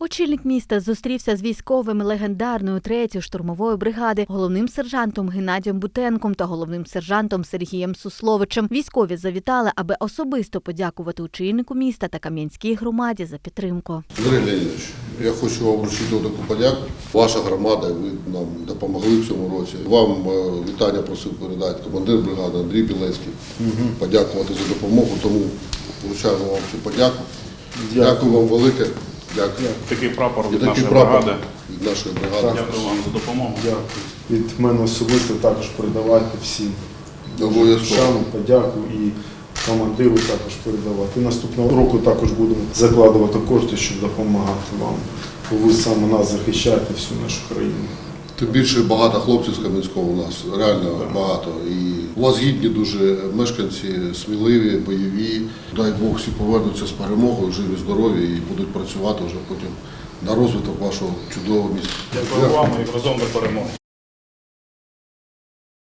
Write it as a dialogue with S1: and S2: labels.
S1: Очільник міста зустрівся з військовими легендарної 3-ї штурмової бригади, головним сержантом Геннадієм Бутенком та головним сержантом Сергієм Сусловичем. Військові завітали, аби особисто подякувати очільнику міста та Кам'янській громаді за підтримку.
S2: Андрій Леонідович, я хочу вам вручити таку подяку. Ваша громада, ви нам допомогли в цьому році. Вам вітання просив передати командир бригади Андрій Білецький. Подякувати за допомогу, тому вручаємо вам цю подяку. Дякую вам велике. Дякую.
S3: Такий прапор від
S2: Такий
S3: нашої
S2: прапор
S3: бригади.
S2: від нашої бригади.
S3: Дякую вам за допомогу.
S4: Дякую. Від мене особисто також передавайте всім
S2: Обов'язково.
S4: шану, подяку і командиру також передавати. І наступного року також будемо закладувати кошти, щоб допомагати вам. Бо ви саме нас захищаєте, всю нашу країну.
S2: Тим більше багато хлопців з Кам'янського у нас, реально багато. І у вас гідні дуже мешканці, сміливі, бойові. Дай Бог всі повернуться з перемогою, живі, здорові і будуть працювати вже потім на розвиток вашого чудового міста.
S3: Дякую вам і разом до перемоги.